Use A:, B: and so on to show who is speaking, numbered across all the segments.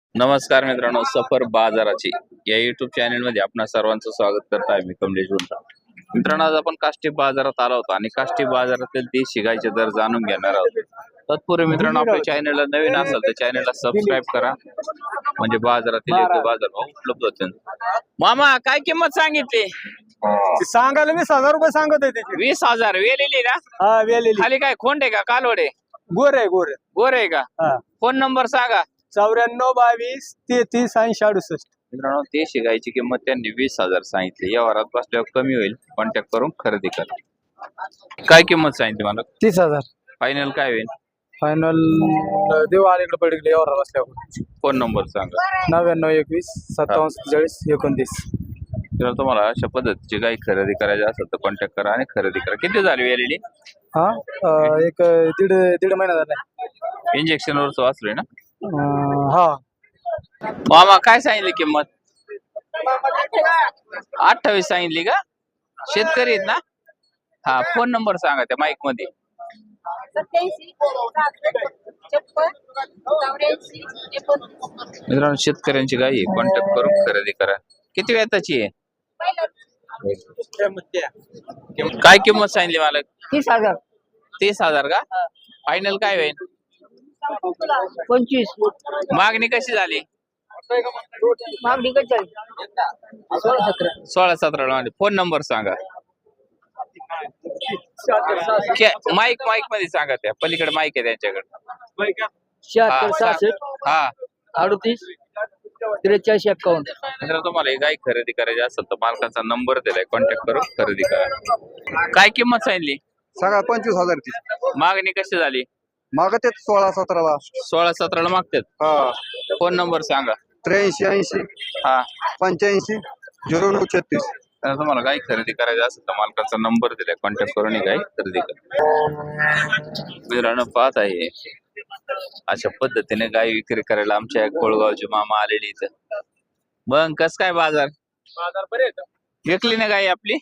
A: नमस्कार मित्रांनो, सफर बाजाराची या युट्यूब चॅनल मध्ये आपणा सर्वांचं स्वागत करत आहे. मी कमलेश गुंठा. मित्रांनो, आज आपण काष्टी बाजारात आलो होतो आणि काष्टी बाजारातील देशी गायचे दर जाणून घेणार आहोत. तत्पूर्वी मित्रांनो, आपल्या चॅनलला नवीन असाल तर चॅनलला सबस्क्राईब करा, म्हणजे बाजारातील योग्य बाजारभाव उपलब्ध होतील. मामा, काय किंमत सांगितली?
B: सांगायला 20,000 रुपये सांगत आहे त्याची.
A: 20,000 वेलेली ना?
B: हा वेलेली
A: खाली काय खोंड आहे का कालवडे?
B: गोर आहे गोर.
A: गोर आहे का?
B: हा
A: फोन नंबर सांगा.
B: 94 22 33 80 68.
A: मित्रांनो, देशी गायची किंमत त्यांनी 20,000 सांगितली. या वरात बसल्यावर कमी होईल, कॉन्टॅक्ट करून खरेदी करा. काय किंमत सांगितली मला?
B: 30,000
A: फायनल काय होईल?
B: फायनल देऊ अलीकडे पडले एवढा बसल्यावर.
A: फोन नंबर सांगा.
B: 99 21 57 43 29.
A: जर तुम्हाला अशा पद्धतीची गाय खरेदी करायची असेल तर कॉन्टॅक्ट करा आणि खरेदी करा. किती झाली वेलेली?
B: हा एक दीड महिना झाला.
A: इंजेक्शन वर वाचलोय ना?
B: हा
A: मामा, काय सांगितली किंमत? 28 सांगितली का? शेतकरी आहेत ना? हा, फोन नंबर सांगा त्या माईक मध्ये.
C: 87
A: मित्रांनो, शेतकऱ्यांची गाय आहे, कॉन्टॅक्ट करून खरेदी करा. किती वेताची आहे? काय किंमत सांगितली मला?
B: 30,000
A: 30,000 का? फायनल काय होईल?
B: 25
A: मागणी कशी झाली?
B: मागणी कशी
A: 16-17 मध्ये. फोन नंबर सांगा. माईक मध्ये सांगा, त्या पलीकडे माईक आहे त्यांच्याकडे.
B: 76 66
A: हा,
B: 38 43 51.
A: मित्र, तुम्हाला ही गाय खरेदी करायची असेल तर मालकाचा नंबर दिलाय, कॉन्टॅक्ट करून खरेदी करा. काय किंमत सांगितली?
B: सगळा 25,000 ती.
A: मागणी कशी झाली?
B: मागत 16 17
A: 16-17 मागतात.
B: हा
A: फोन नंबर सांगा.
B: 83 80
A: हा,
B: 85 09 36.
A: तर तुम्हाला गाय खरेदी करायची असेल तर मालकाचा नंबर दिलाय, कॉन्टॅक्ट करून ही गाय खरेदी करा. मित्रांनो, पाहत आहे अशा पद्धतीने गाय विक्री करायला आमच्या कोळगावचे मामा आलेले इथं. मग कस काय बाजार
B: बरे
A: विकली ना गाय आपली?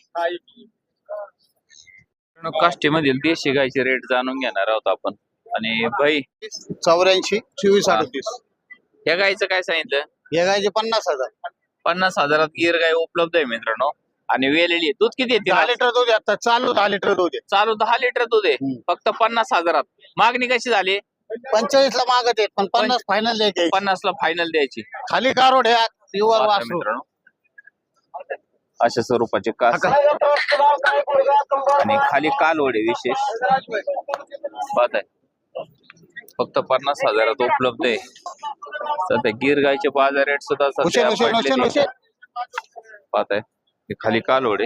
A: काष्टी मधील देशी गायचे रेट जाणून घेणार आहोत आपण. आणि भाई,
D: 84 24 38.
A: या गायचं काय सांगितलं?
D: या गायचे 50,000.
A: 50,000 गिर गाय उपलब्ध आहे मित्रांनो. आणि वेलेली दूध किती येते?
D: 10 लिटर दूध आहे आता, चालू 10 लिटर दूध आहे.
A: चालू 10 लिटर दूध आहे, फक्त 50,000. मागणी कशी झाली?
D: 45 ला मागत आहेत, पण 50 फायनल द्यायचे.
A: 50 ला फायनल द्यायची.
D: खाली कारोड आहे, प्युअर
A: पाहता
D: वासरू.
A: मित्रांनो, अशा स्वरूपाचे कास आणि खाली कालवडे विशेष पाहताय. फक्त 50,000 उपलब्ध आहे. सध्या गिर गायचे बाजार रेट सुद्धा सध्या पडलेले. पाहताय, हे खाली कालवडे.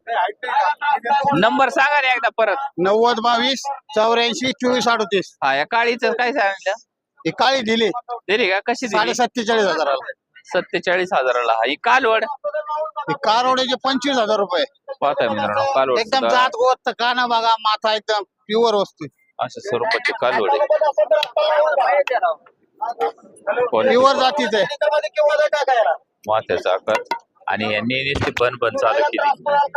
A: नंबर सांगा रे एकदा परत.
D: 90 22 84 24 38.
A: हा, या काळीचं काय सांगितलं?
D: ही काळी दिली
A: दिली का? कशी दिली?
D: 47,500.
A: 47,000 ही कालवड.
D: ही कारोड्याचे 25,000 रुपये.
A: पाहताय मित्रांनो, कालवड
D: एकदम
A: सुद्धा
D: जात गोत, काना बघा, माथा एकदम प्युअर वस्तू.
A: अशा स्वरूपाचे कालवडे.
D: प्युअर जातीच आहे.
A: माथ्याचा आकार आणि यांनी नुसती बन चालू केली.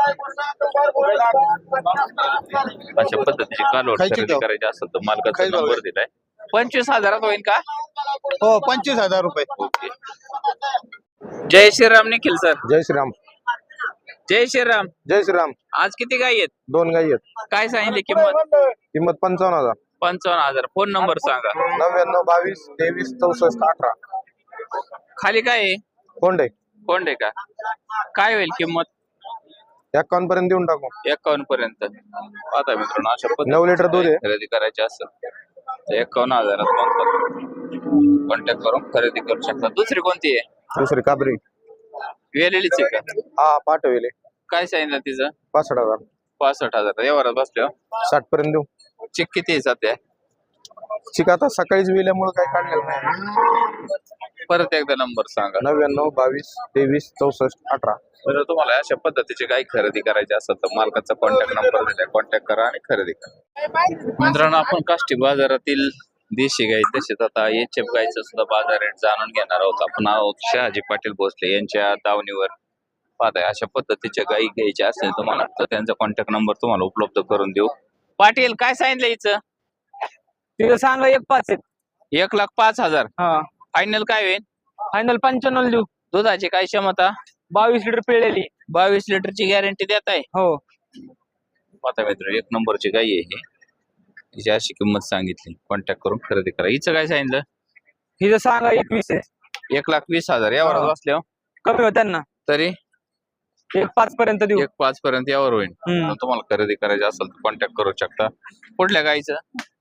A: अशा पद्धतीची कालवड खरेदी करायची असेल तर मालकाचा नंबर दिलाय. 25,000 होईल का?
D: हो, 25,000 रुपये.
A: ओके. जय श्रीराम निखिल सर.
B: जय श्रीराम.
A: जय श्रीराम.
B: जय श्रीराम.
A: आज किती गाय आहेत?
B: 2 गाई आहेत.
A: काय सांगितली किंमत?
B: किंमत 55,000.
A: 55,000. फोन नंबर सांगा.
B: 99 22 23 64 18.
A: खाली काय आहे?
B: कोंड आहे.
A: कोण आहे का? काय होईल किंमत?
B: 51 पर्यंत देऊन टाकू.
A: 51 पर्यंत. आता मित्रांनो, अशा
B: 9 लिटर दूध आहे.
A: खरेदी करायची असेल तर 51,000 कॉन्टॅक्ट करून खरेदी करू शकता. दुसरी कोणती आहे?
B: दुसरी काबरी.
A: वेलेलीच आहे का?
B: हा पाठवले.
A: काय सांगितलं तिचं?
B: 65,000.
A: 65,000. व्यवहारात बसल्यावर
B: 60 पर्यंत देऊ.
A: चिक किती आहे सध्या?
B: चिक आता सकाळीच वेल्यामुळे काही काढलेलं नाही.
A: परत एकदा नंबर सांगा.
B: 99 22 23 64 18.
A: जर तुम्हाला अशा पद्धतीची गाय खरेदी करायची असेल तर मालकाचा कॉन्टॅक्ट नंबर दिलाय, कॉन्टॅक्ट करा आणि खरेदी करा. मित्रांनो, आपण काष्टी बाजारातील देशी गाय तसेच आता एचएफ गायचं सुद्धा बाजार रेट जाणून घेणार आहोत. आपण आहोत शहाजी पाटील भोसले यांच्या दावणीवर. पाहताय, अशा पद्धतीच्या गायी घ्यायच्या असेल तुम्हाला तर त्यांचा कॉन्टॅक्ट नंबर तुम्हाला उपलब्ध करून देऊ. पाटील, काय सांगितलं हिचं?
B: तिथं सांगा 1,05,000.
A: 1,05,000.
B: हा
A: फायनल काय होईल?
E: फायनल 95 देऊ.
A: दुधाची काय क्षमता?
E: 22 लिटर पिळलेली.
A: 22 लिटरची गॅरंटी देत आहे.
E: हो.
A: आता मित्र एक नंबरची गाई आहे ही. हिची अशी किंमत सांगितली, कॉन्टॅक्ट करून खरेदी करा. हिचं काय सांगितलं?
E: हिचं सांगा 21 आहे.
A: 1,20,000 यावर
E: हा.
A: बसल्यावर
E: कमी होत्या ना.
A: तरी
E: 1.5 पर्यंत देऊ.
A: 1,05,000 पर्यंत यावर होईल.
E: हम्म.
A: तुम्हाला खरेदी करायची असेल तर कॉन्टॅक्ट करू शकता. कुठल्या गाईचं?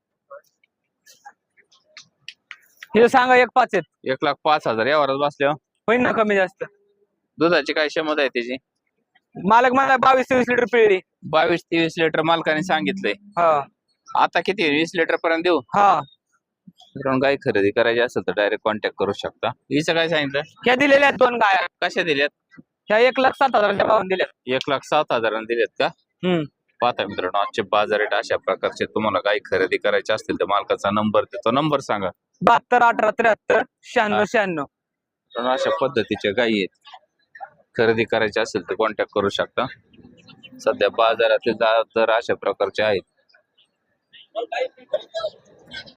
E: हिचं सांगा 1.5 आहेत.
A: 1,05,000 यावरच बसल्यावर
E: होईल ना कमी जास्त.
A: दुधाची काय क्षमता आहे त्याची?
E: मालक मला 22-23 लिटर पिळली.
A: 22-23 लिटर मालकाने सांगितलंय.
E: हा.
A: आता किती 20 लिटर पर्यंत देऊ?
E: हा.
A: मित्रांनो गाय खरेदी करायची असेल तर डायरेक्ट कॉन्टॅक्ट करू शकता. हिचं काय सांगितलं?
E: ह्या दिलेल्या आहेत 2 गाया.
A: कशा दिल्यात?
E: ह्या 1,07,000 भावाने दिल्यात.
A: 1,07,000 दिलेत का?
E: हम्म.
A: पाहता मित्रांनो आजचे बाजार रेट अशा प्रकारचे. तुम्हाला काही खरेदी करायचे असतील तर मालकाचा नंबर देतो. नंबर सांगा.
E: 72 18 73 96 96.
A: मित्रांनो अशा पद्धतीच्या गायी आहेत. खरेदी करायचे असेल तर कॉन्टॅक्ट करू शकता. सध्या बाजारातील दर अशा प्रकारचे आहेत.